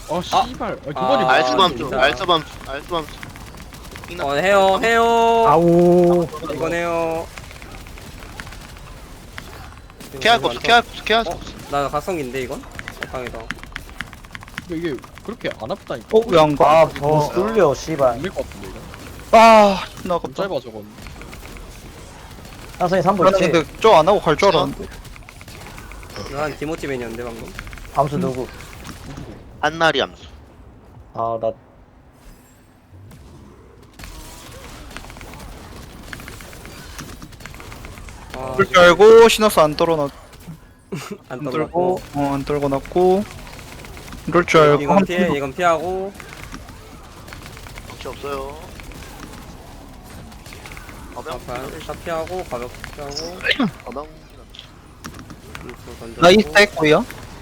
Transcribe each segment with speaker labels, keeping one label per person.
Speaker 1: 아 씨발. 아, 그거지.
Speaker 2: 아,
Speaker 3: 알수밤수
Speaker 2: 진짜.
Speaker 3: 알수밤수
Speaker 2: 해요 해요.
Speaker 4: 아우.
Speaker 2: 이건 해요.
Speaker 3: 피할 거 없어 피할 거 없어.
Speaker 2: 나 각성기인데 이건? 강이다.
Speaker 1: 이게 그렇게 안 아프다니까.
Speaker 5: 어? 왜 안 가?
Speaker 4: 뭐 뚫려 씨발.
Speaker 1: 안될것 같은데 이거.
Speaker 5: 아 존나
Speaker 1: 좀
Speaker 5: 아깝다.
Speaker 1: 짧아 저건.
Speaker 4: 나선이 3보
Speaker 5: 나는
Speaker 4: 있지?
Speaker 5: 근데 저 안 하고 갈 줄 알았는데.
Speaker 2: 난 디모티맨이었는데 방금.
Speaker 4: 암수 누구?
Speaker 3: 한나리 암수.
Speaker 4: 아나
Speaker 2: 아,
Speaker 5: 그럴 줄 알고 시너스 안 떨어놨.
Speaker 2: 안
Speaker 5: 안
Speaker 2: 떨고.
Speaker 5: 떨고 안 떨고 놨고. 이럴 줄 알고
Speaker 2: 이건
Speaker 5: 한
Speaker 2: 피해, 이건 피하고.
Speaker 3: 혹시 없어요. 가방
Speaker 2: 다 피하고 가볍게 피하고.
Speaker 3: 가방
Speaker 2: 던져주고.
Speaker 5: 나이 스택 거야?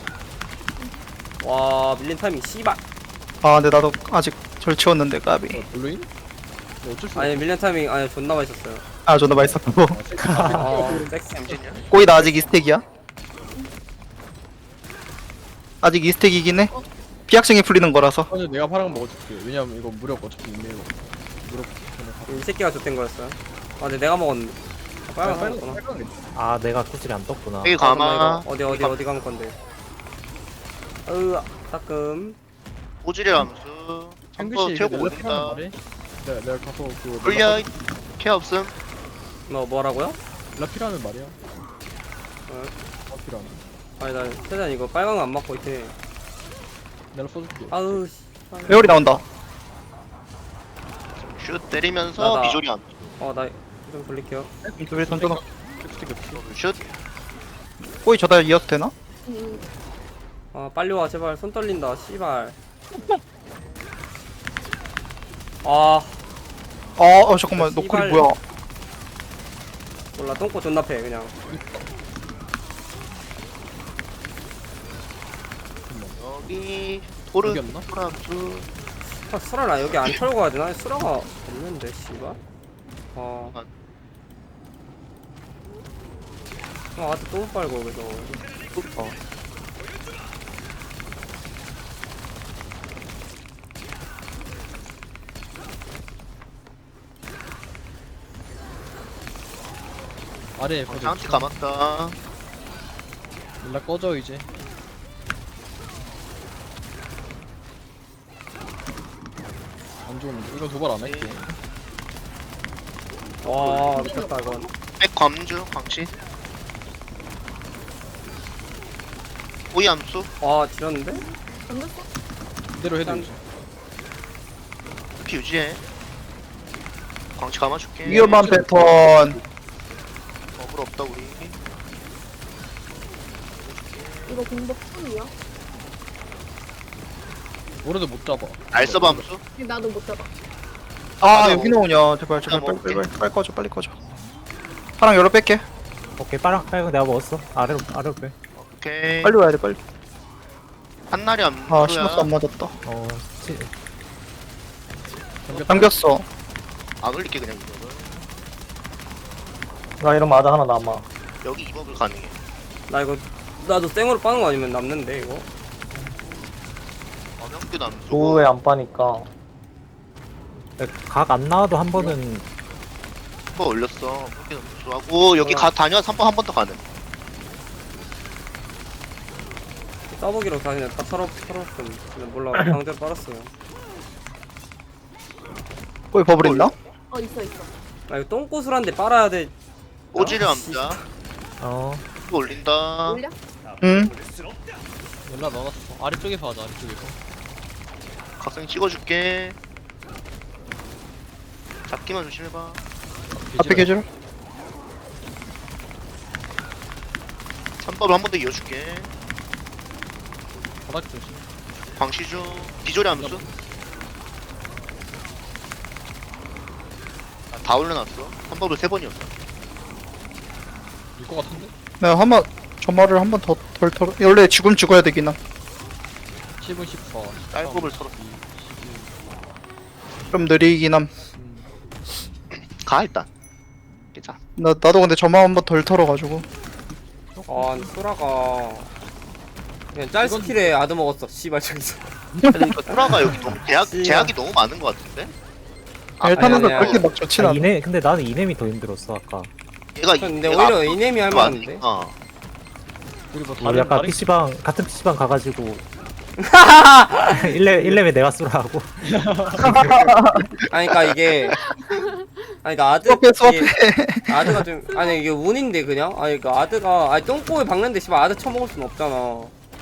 Speaker 2: 와 밀린 타이밍 씨발.
Speaker 5: 아 근데 나도 아직 절 치웠는데 까비.
Speaker 1: 블루인? 뭐 어쩔 수
Speaker 2: 아니 밀린 타이밍 아니 존나 맛있었어요.
Speaker 5: 아 존나 맛있었고.
Speaker 2: 아 섹시.
Speaker 3: 엠진이야?
Speaker 5: 꼬이 나 아직 이 스택이야? 아직 이 스택이긴 해. 피학생이 풀리는 거라서.
Speaker 1: 없어. 내가 파란 거 먹어줄게. 왜냐면 이거 무력 어차피 있네요. 무력.
Speaker 2: 이 새끼가 줬던 거였어요. 아 근데 내가 먹었는데. 아, 빨간 거였구나.
Speaker 4: 아 내가 구슬이 안 떴구나.
Speaker 3: 여기 가마.
Speaker 2: 어디 가면 건데. 으아 따끔.
Speaker 3: 오지리 암수. 한번
Speaker 1: 탱글씨
Speaker 3: 태우고
Speaker 1: 내가 필요하면
Speaker 3: 올린다.
Speaker 1: 말해. 내가 가서 그거
Speaker 3: 불리야. 케어 없음.
Speaker 2: 뭐라고요?
Speaker 1: 라피라는 말이야.
Speaker 2: 어.
Speaker 1: 라피라는.
Speaker 2: 아니 나 최대한 이거 빨간 거 안 맞고 있대.
Speaker 1: 내가 써줄게.
Speaker 2: 아우 씨.
Speaker 5: 회오리 나온다.
Speaker 3: 슛 때리면서
Speaker 2: 나다.
Speaker 3: 비조리 암수.
Speaker 2: 어나 좀 돌릴게요.
Speaker 5: 왜 던져놔?
Speaker 3: 슛.
Speaker 5: 꼬이 저다 이어도 되나?
Speaker 2: 아 빨리 와 제발 손 떨린다 씨발. 아
Speaker 5: 잠깐만 너
Speaker 2: 씨발.
Speaker 5: 콜이 뭐야?
Speaker 2: 몰라 똥꼬 존나 패 그냥.
Speaker 3: 여기 토르
Speaker 1: 이겼나?
Speaker 3: 토르 암수.
Speaker 2: 아 수라나 여기 안 털고 가야 되나? 수라가 없는데 씨발. 아. 아직 똥 빨고 그래서.
Speaker 1: 아래 거기
Speaker 3: 장치 감았다.
Speaker 1: 연락 꺼져 이제. 안 좋은데 이거 도발 안 할게.
Speaker 2: 와 미쳤다 이건.
Speaker 3: 백 광주 광시. 오이 암수.
Speaker 2: 와 지렸는데?
Speaker 1: 이대로 해도 되지.
Speaker 3: 피 유지해. 광시 감아줄게.
Speaker 5: 위험한 패턴.
Speaker 3: 어글 없다 우리.
Speaker 6: 이거 공복 풀이야?
Speaker 1: 오래도 못 잡아.
Speaker 3: 알서브 암수.
Speaker 6: 나도 못 잡아.
Speaker 5: 아 여기 나오냐? 제발 제발
Speaker 3: 나
Speaker 5: 빨리 꺼져 빨리 꺼져. 파랑 열어 뺄게.
Speaker 4: 오케이 빨강 내가 먹었어. 아래로 빼.
Speaker 3: 오케이.
Speaker 5: 빨리 와야 돼 빨리.
Speaker 3: 한나리
Speaker 5: 아 시너스
Speaker 3: 암수야.
Speaker 5: 안 맞았다.
Speaker 4: 어 치.
Speaker 5: 당겼어.
Speaker 3: 안 올릴게 그냥 이거를.
Speaker 4: 나 이러면 아다 하나 남아.
Speaker 3: 여기 이법을 가능해.
Speaker 2: 나 이거 나도 생으로 빠는 거 아니면 남는데 이거.
Speaker 3: 엄영규 암수.
Speaker 4: 도우에 안 빠니까. 각 안 나와도 한 번은
Speaker 3: 한번 올렸어. 엄영규 암수하고 여기 가 다녀서 한 번 더 가능.
Speaker 2: 써보기로 다 그냥 딱 털었음. 근데 몰라 강제로 빨았어요.
Speaker 5: 꼬이 버블 있나?
Speaker 6: 어 있어 있어.
Speaker 2: 나 이거 똥꼬술한데 빨아야 돼.
Speaker 3: 오지리 암수야.
Speaker 4: 어
Speaker 3: 또 올린다.
Speaker 6: 올려?
Speaker 5: 응.
Speaker 1: 연락 넣어놨어. 아래쪽에서 하자 아래쪽에서.
Speaker 3: 각성 찍어줄게. 잡기만 조심해봐.
Speaker 5: 앞에 계절.
Speaker 3: 3법을 한 번 더 이어줄게.
Speaker 1: 바닥 조심.
Speaker 3: 광시중 비조리 암수. 다 올려놨어. 3법을 3번이었어.
Speaker 1: 일것 같은데?
Speaker 5: 내가 한번 저 말을 한 번 더 덜 털어. 원래 지금 죽어야 되긴 함.
Speaker 1: 10은 14.
Speaker 3: 딸법을 털었어.
Speaker 5: 좀 느리긴 함.
Speaker 3: 가 일단. 괜찮아.
Speaker 5: 나도 근데 저만 한 번 덜 털어가지고.
Speaker 2: 아 근데 소라가 그냥 짤 스킬에 아드 먹었어. 씨발 저기서.
Speaker 3: 그러니까 소라가 여기 너무
Speaker 2: 씨.
Speaker 3: 제약이 너무 많은 것 같은데?
Speaker 5: 일단은
Speaker 2: 아니야.
Speaker 5: 그렇게 막 좋진
Speaker 4: 아,
Speaker 5: 않아.
Speaker 4: 근데 나는 이nem이 더 힘들었어 아까.
Speaker 2: 근데 오히려 이nem이 할만한데.
Speaker 3: 어.
Speaker 1: 그리고
Speaker 4: 우리
Speaker 1: 다른
Speaker 4: 아까
Speaker 1: 다른
Speaker 4: PC방 같은 PC방 가가지고 1렙에 내가 쏘라고.
Speaker 2: 아니 그니까 이게 아니 그니까 아드
Speaker 5: 수업해.
Speaker 2: 이게 아드가 좀 아니 이게 운인데 그냥 아니 그니까 아드가 아니 똥꼬에 박는데 씨발 아드 쳐먹을 순 없잖아.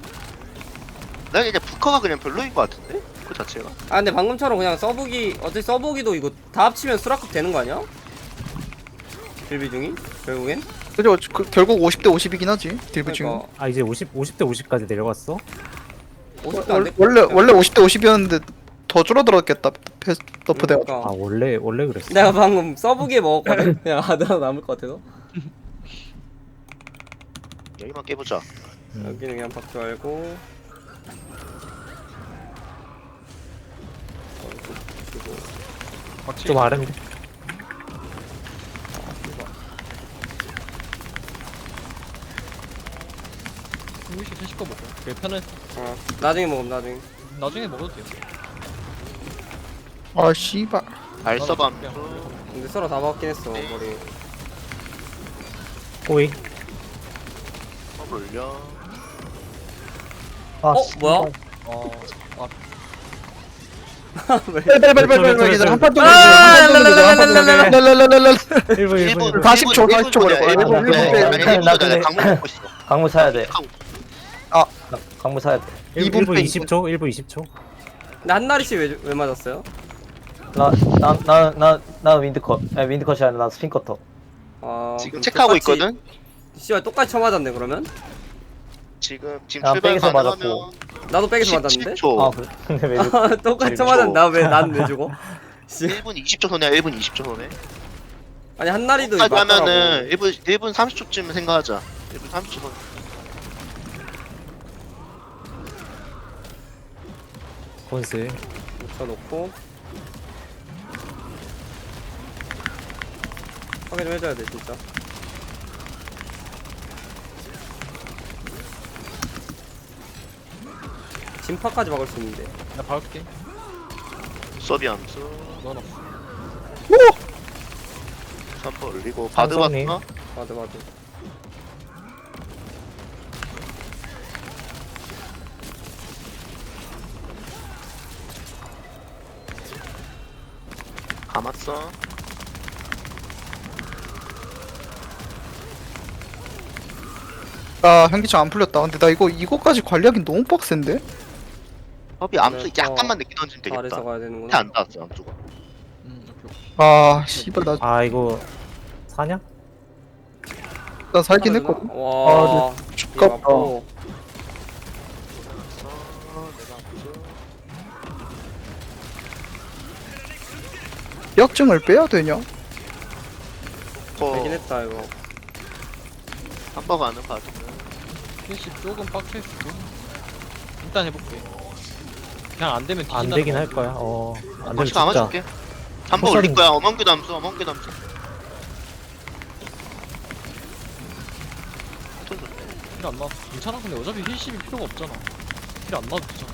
Speaker 3: 난 이제 부커가 그냥 별로인 것 같은데? 그 자체가.
Speaker 2: 아 근데 방금처럼 그냥 써보기 어차피 써보기도 이거 다 합치면 수락급 되는 거 아니야? 딜비 중이? 결국엔?
Speaker 5: 그죠? 결국 50대 50이긴 하지. 딜브 중에.
Speaker 2: 그러니까
Speaker 4: 아 이제 50대 50까지 내려갔어?
Speaker 2: 50도 안 됐.
Speaker 5: 원래 50대 50이었는데 더 줄어들었겠다. 너프 돼가.
Speaker 4: 아 원래 그랬어.
Speaker 2: 내가 방금 써보기에 먹었거든? 그냥 아드 하나 남을 것 같아서
Speaker 3: 여기만 깨보자.
Speaker 2: 여기는 그냥 박지 말고
Speaker 1: 박치
Speaker 4: 좀 아른데.
Speaker 1: 한국식 회식 거 먹어. 그게 편해.
Speaker 2: 나중에 먹으면 나중에
Speaker 1: 나중에 먹어도 돼요.
Speaker 5: 아 씨발.
Speaker 3: 알서밤.
Speaker 2: 근데 서로 다 먹긴 했어 머리.
Speaker 4: 오이.
Speaker 3: 올려.
Speaker 4: 아,
Speaker 2: 뭐야? 왜?
Speaker 5: 빨리 이제 한판 좀
Speaker 2: 아,
Speaker 5: 랄랄랄랄랄랄랄랄랄랄랄
Speaker 4: 1분
Speaker 5: 40초, 40초 걸려. 일본,
Speaker 3: 강물 먹고 있어.
Speaker 4: 강무 사야 돼.
Speaker 5: 아.
Speaker 4: 강무 사야 돼.
Speaker 5: 2분
Speaker 4: 1분 20초. 1분 20초.
Speaker 2: 근데 한나리씨 왜 맞았어요?
Speaker 4: 나 윈드컷. 아니 윈드컷이 아니라 나 스핀커터.
Speaker 2: 아
Speaker 3: 지금
Speaker 2: 그럼
Speaker 3: 체크하고
Speaker 2: 똑같이-
Speaker 3: 있거든.
Speaker 2: 씨발 똑같이 쳐맞았네 그러면?
Speaker 3: 지금
Speaker 4: 야,
Speaker 3: 출발
Speaker 4: 백에서
Speaker 3: 가능하면
Speaker 2: 나도 백에서 맞았는데?
Speaker 3: 10초.
Speaker 4: 그래? 근데 왜
Speaker 2: 똑같이
Speaker 3: 10초.
Speaker 2: 쳐맞았는데 나왜 죽어? 씨.
Speaker 3: 1분 20초 손해야. 1분 20초 손해.
Speaker 2: 아니 한나리도
Speaker 3: 까지
Speaker 2: 맞더라고.
Speaker 3: 하면은 1분 30초쯤 생각하자. 1분 30초 손해.
Speaker 4: 건슬.
Speaker 2: 붙여놓고 확인 좀 해줘야 돼 진짜. 진파까지 막을 수 있는데.
Speaker 1: 나 박을게.
Speaker 3: 서비 암수.
Speaker 1: 넣어놨어.
Speaker 3: 3번 올리고 바드
Speaker 4: 삼성님.
Speaker 3: 봤어?
Speaker 2: 맞아.
Speaker 3: 감았어.
Speaker 5: 아 현기증 안 풀렸다. 근데 나 이거까지 관리하긴 너무 빡센데?
Speaker 3: 서비 암수
Speaker 2: 그래서
Speaker 3: 약간만 늦게 던지면 되겠다.
Speaker 2: 잘해서 가야 되는구나.
Speaker 3: 해안 닿았어 암수가.
Speaker 1: 오케이.
Speaker 5: 아 씨발 나
Speaker 4: 이거 사냐?
Speaker 5: 살긴
Speaker 2: 하나
Speaker 5: 했거든.
Speaker 2: 되나? 와.
Speaker 5: 죽겠다.
Speaker 2: 맞고.
Speaker 3: 내가 암수.
Speaker 5: 약증을 빼야 되냐?
Speaker 2: 되긴 했다 이거.
Speaker 3: 한번 가는 바드는
Speaker 1: 회식 조금 빡칠 수도. 일단 해볼게. 그냥 안 되면
Speaker 4: 안
Speaker 1: 뒤진다는
Speaker 4: 되긴
Speaker 1: 거.
Speaker 4: 할 거야. 안 되면
Speaker 3: 같이
Speaker 4: 진짜.
Speaker 3: 감아줄게. 3번 올릴 거야. 어멍규 담수. 어멍규 담수.
Speaker 1: 힐안 나왔어. 괜찮아. 근데 어차피 힐십이 필요가 없잖아. 힐 안 나와도 되잖아.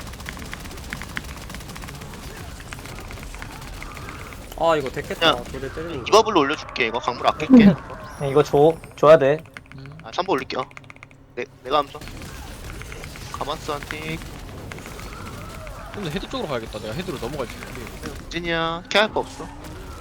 Speaker 2: 아 이거 됐겠다.
Speaker 3: 야,
Speaker 2: 도대 때리는 거.
Speaker 3: 이버블로 올려줄게. 이거 강물 아낄게.
Speaker 4: 이거 줘야 돼.
Speaker 3: 아 3번 올릴게요. 내가 암수. 가만스 한틱.
Speaker 1: 근데 헤드 쪽으로 가야겠다. 내가 헤드로 넘어갈 수 있는데.
Speaker 3: 진이야. 케어할 거 없어.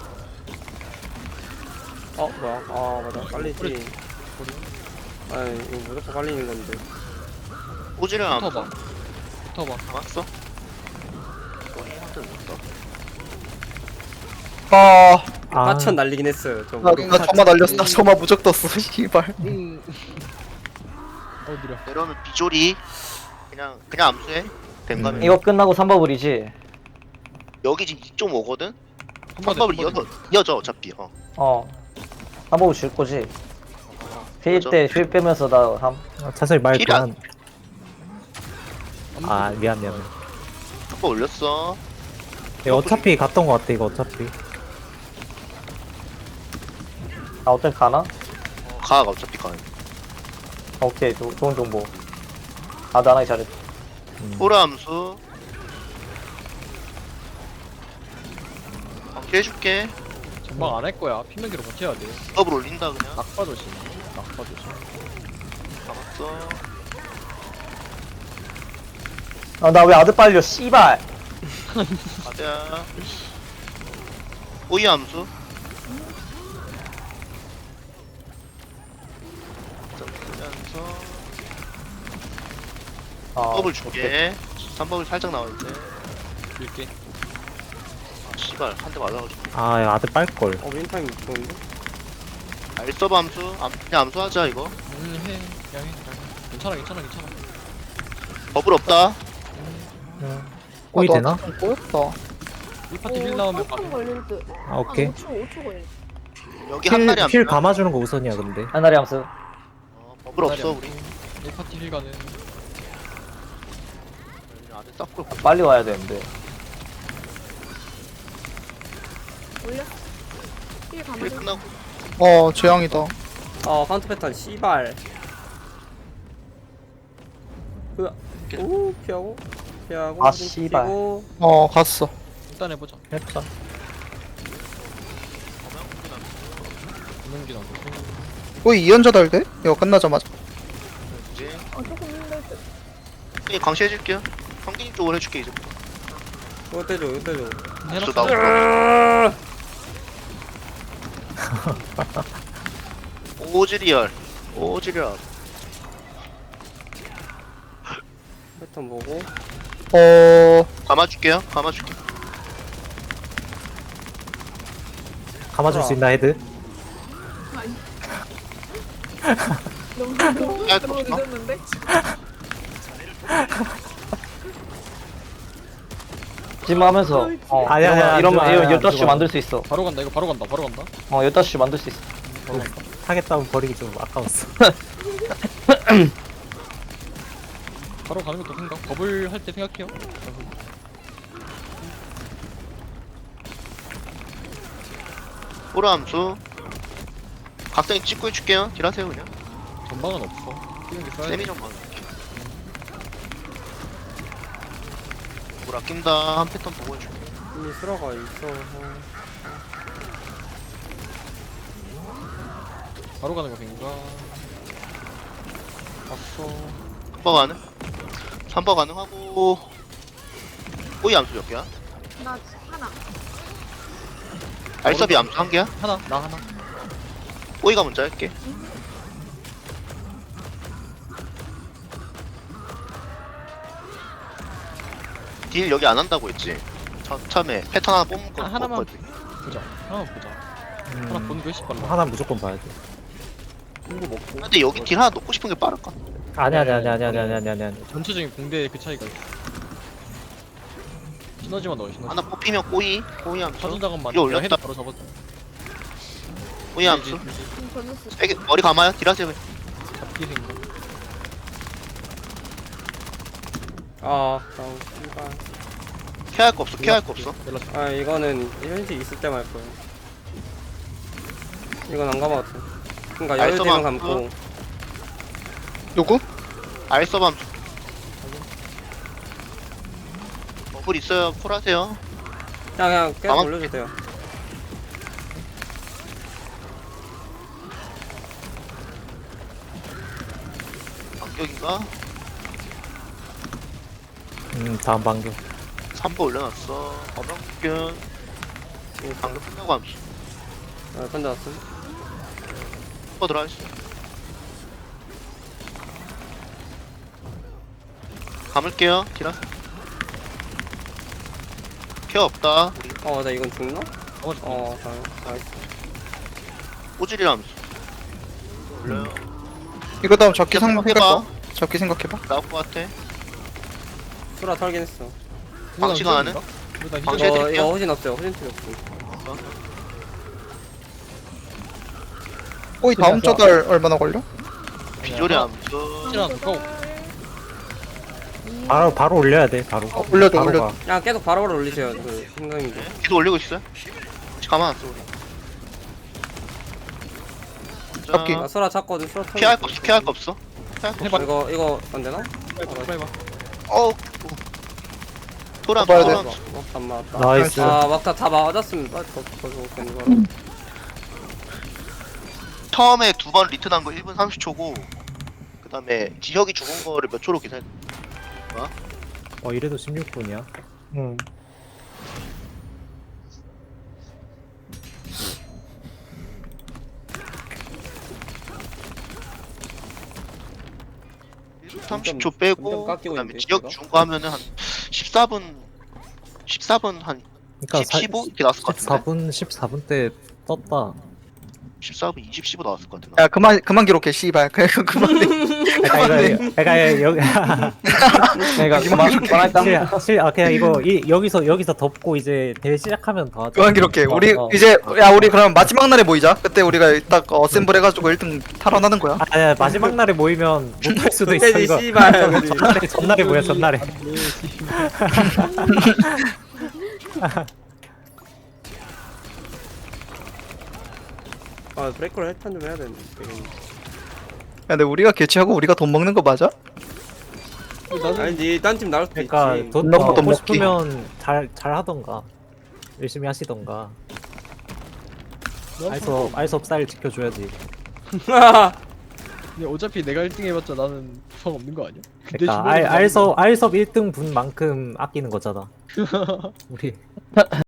Speaker 2: 뭐야? 아 맞아. 깔리지. 아니 이거 무조건 깔리는 건데.
Speaker 3: 오지를 암수.
Speaker 1: 붙어봐. 붙어봐.
Speaker 3: 감았어. 거의 한대 못다.
Speaker 2: 까천 날리긴 했어요. 저
Speaker 5: 나 점화 날렸어. 나 점화 무적 떴어. 씨발.
Speaker 1: 느려.
Speaker 3: 내려오면 비조리. 그냥 암수해. 댕가면.
Speaker 4: 이거 끝나고 3버블이지.
Speaker 3: 여기 지금 2.5거든?
Speaker 1: 한 번에
Speaker 3: 3법을 이어져 어차피.
Speaker 4: 3버블 줄 거지. 휠 빼면서 나 차라리 말
Speaker 3: 힐이 안-
Speaker 4: 그만. 미안.
Speaker 3: 3번 올렸어.
Speaker 4: 이거 어차피 갔던 거 같아. 이거 어차피. 어차피 가나?
Speaker 3: 가가 어차피 가네.
Speaker 4: 오케이. 좋은 정보. 나하기 잘했다.
Speaker 3: 호라 암수. 방치해줄게.
Speaker 1: 전방 안 할 거야. 피면기로 버텨야 돼.
Speaker 3: 업을 올린다 그냥.
Speaker 1: 낙파 조심. 낙파 조심.
Speaker 3: 잡았어.
Speaker 4: 아 나 왜 아드 빨려 씨발.
Speaker 3: 가자. 오이 암수. 점프면서
Speaker 4: 아
Speaker 3: 업을 줄게. 3법을 살짝 나와있대.
Speaker 1: 줄게.
Speaker 3: 아 씨발 한 대 맞아가지고.
Speaker 4: 아 야, 아드 빨걸.
Speaker 2: 민타임 좋은데?
Speaker 3: 알서브 암수. 그냥 암수하자 이거.
Speaker 1: 해. 그냥 해. 괜찮아, 괜찮아, 괜찮아.
Speaker 3: 버블 없다.
Speaker 4: 꼬이
Speaker 5: 아,
Speaker 4: 되나?
Speaker 5: 좀 꼬였다.
Speaker 1: 이 파티 힐 나오면
Speaker 6: 한
Speaker 1: 빠져.
Speaker 6: 걸릴 듯.
Speaker 4: 아 오케이.
Speaker 6: 5초 걸릴 듯.
Speaker 3: 여기 한 마리 암수.
Speaker 4: 감아주는 거 우선이야 근데. 하나리 함수.
Speaker 3: 버블 없어 우리.
Speaker 1: 이 파티 힐 가는.
Speaker 3: 안에 싹고
Speaker 4: 빨리 와야 되는데.
Speaker 6: 올렸어. 힐
Speaker 3: 일
Speaker 6: 가면
Speaker 3: 끝나고.
Speaker 5: 재앙이다.
Speaker 2: 카운터 패턴 씨발. 으아. 오 피하고 피하고.
Speaker 4: 아, 씨발.
Speaker 2: 피고.
Speaker 5: 갔어.
Speaker 1: 일단 해보자.
Speaker 4: 했다.
Speaker 1: 구명기 나도.
Speaker 5: 거의 2연자 달대? 이거 끝나자마자.
Speaker 3: 이제
Speaker 6: 조금 힘들 듯.
Speaker 3: 광시해줄게요. 성기님 쪽으로 해줄게 이제.
Speaker 2: 이거 떼줘 이거 떼줘.
Speaker 3: 암수
Speaker 1: 해놨어.
Speaker 3: 나오고. 오지리얼. 오지리얼.
Speaker 2: 패턴 보고.
Speaker 3: 감아줄게요. 감아줄게.
Speaker 4: 감아줄 수 있나 헤드?
Speaker 6: 너무
Speaker 3: 야, 또 없나?
Speaker 6: 늦었는데?
Speaker 4: 지금 하면서
Speaker 7: 아니야,
Speaker 4: 이러면
Speaker 7: 안 좋아, 안
Speaker 4: 15시
Speaker 7: 좋아.
Speaker 4: 만들 수 있어.
Speaker 1: 바로 간다. 이거 바로 간다. 바로 간다.
Speaker 4: 15시 만들 수 있어.
Speaker 1: 바로 간다.
Speaker 7: 하겠다면 버리기 좀 아까웠어.
Speaker 1: 바로 가는 것도 생각. 버블 할 때 생각해요.
Speaker 3: 호라 암수. 각성이 찍고 해줄게요. 딜하세요 그냥.
Speaker 1: 전방은 없어. 피면기 써야 돼.
Speaker 3: 세미 좀 봐. 뭘 아낀다. 한 패턴 보고 해줄게.
Speaker 2: 이미 쓰러가 있어.
Speaker 1: 바로 가는 거 생각. 봤어.
Speaker 3: 3번 가능? 3번 가능하고. 오이 암수 몇 개야?
Speaker 6: 나 하나.
Speaker 3: 알섭이 암수 한 개야?
Speaker 1: 하나. 나 하나.
Speaker 3: 오이가 먼저 할게. 딜 여기 안 한다고 했지? 처음에 패턴 하나 뽑은 거
Speaker 1: 하나만
Speaker 3: 뽑거든.
Speaker 1: 보자. 하나만 보자. 하나 보는 게 훨씬 빨라.
Speaker 7: 하나 무조건 봐야 돼.
Speaker 2: 이거 먹고.
Speaker 3: 근데 여기 딜 하나 놓고 싶은 게 빠를까?
Speaker 7: 아니야.
Speaker 1: 전체적인 공대의 그 차이가 있어. 시너지만 넣어. 시너지.
Speaker 3: 하나 뽑히면 꼬이 암수.
Speaker 1: 사전 작업만.
Speaker 3: 이거 올렸다.
Speaker 1: 헤드 바로 잡았어.
Speaker 3: 꼬이 암수.
Speaker 6: 전했어.
Speaker 3: 세게 머리 감아요. 딜하세요 그냥.
Speaker 1: 잡기 생각.
Speaker 2: 다운 씨발.
Speaker 3: 케어할 거 없어. 케어할 거 없어.
Speaker 1: 연락.
Speaker 2: 이거는 현실 있을 때만 할 거야. 이건 안 감아도 돼. 그니까
Speaker 3: 알쏘만
Speaker 2: 여유되면 감고.
Speaker 5: 누구?
Speaker 3: 알섭 암수. 버블 있어요. 콜하세요.
Speaker 2: 그냥 계속
Speaker 3: 가만-
Speaker 2: 올려도 돼요.
Speaker 3: 반격인가?
Speaker 7: 다음 반격.
Speaker 3: 3번 올려놨어. 어명균. 방금 끝나고 암수.
Speaker 2: 끝났음.
Speaker 3: 3번 들어가있어. 감을게요. 딜하세요. 케어 없다. 우리
Speaker 2: 나 이건 죽나?
Speaker 1: 나머지
Speaker 2: 다행. 나이스.
Speaker 3: 오지리 암수. 올려요.
Speaker 5: 이거 다음 잡기
Speaker 3: 생각해봐.
Speaker 5: 생각해봐. 잡기 생각해봐.
Speaker 3: 나올 것 같아.
Speaker 2: 수라 털긴 했어.
Speaker 3: 방치가 하는?
Speaker 1: 일단
Speaker 3: 방치
Speaker 1: 히저
Speaker 3: 해드릴게요.
Speaker 2: 이거 허진 없어요. 허진 틀이 없어.
Speaker 5: 거의 다음 저달 얼마나 걸려?
Speaker 3: 비조리 암수.
Speaker 1: 히저랑 두꺼워.
Speaker 7: 바로 올려야 돼. 바로.
Speaker 5: 올려도
Speaker 7: 바로
Speaker 5: 올려도.
Speaker 7: 가.
Speaker 2: 그냥 계속 바로바로 올리세요. 그 생각인데.
Speaker 3: 계속 올리고 있어요? 가만 안 써, 우리. 자,
Speaker 5: 잡기.
Speaker 2: 수라 찾거든. 수라 털.
Speaker 3: 피할 거 없어, 피할 거 없어. 피할 거
Speaker 1: 해봐.
Speaker 2: 이거 안 되나?
Speaker 1: 해봐.
Speaker 3: 어, 토랑
Speaker 5: 봐야 돼.
Speaker 3: 토랑
Speaker 2: 안 맞았다.
Speaker 7: 나이스.
Speaker 2: 아 막타 다 맞았습니다. 더 좋은 거.
Speaker 3: 처음에 두 번 리턴한 거 1분 30초고 그 다음에 지혁이 죽은 거를 몇 초로 계산해.
Speaker 7: 이래도 16분이야.
Speaker 4: 응.
Speaker 3: 일 30초 빼고
Speaker 2: 점점 깎이고
Speaker 3: 그다음에
Speaker 2: 있는데,
Speaker 3: 지역
Speaker 2: 이거?
Speaker 3: 준 거 하면은 한 14분 한
Speaker 7: 그러니까
Speaker 3: 10, 15 이렇게 나왔을 것 같은데.
Speaker 7: 14분 때 떴다.
Speaker 3: 14분 20, 15 나왔을 것 같은데.
Speaker 5: 야 그만 기록해 씨발. 그만.
Speaker 7: 그러니까 여기
Speaker 4: 내가 그만할까?
Speaker 7: 그냥 이거 여기서 덮고 이제 대회 시작하면 더 하자.
Speaker 5: 그만 기록해. 우리
Speaker 7: 어.
Speaker 5: 이제 야 우리 그럼 마지막 날에 모이자. 그때 우리가 딱 어셈블 해가지고 1등 탈환하는 거야.
Speaker 7: 아니야 마지막 날에 모이면 못할 수도 있어
Speaker 2: 그때지
Speaker 7: 이거.
Speaker 2: 씨발. 우리.
Speaker 7: 전날에 모여 전날에.
Speaker 2: 아 브레이크를 해탄 좀 해야 되는데.
Speaker 5: 야 근데 우리가 개최하고 우리가 돈 먹는 거 맞아?
Speaker 2: 아니지 딴 팀 나올 수도
Speaker 7: 그러니까
Speaker 2: 있지.
Speaker 7: 돈
Speaker 5: 너무 돈
Speaker 7: 먹고
Speaker 5: 먹기.
Speaker 7: 싶으면 잘 하던가 열심히 하시던가. 알섭 쌀 지켜줘야지.
Speaker 1: 근데 어차피 내가 1등 해봤자 나는 부상 없는 거 아니야? 근데
Speaker 7: 그러니까
Speaker 1: 주변에서
Speaker 7: 알섭 1등 분만큼 아끼는 거잖아. 우리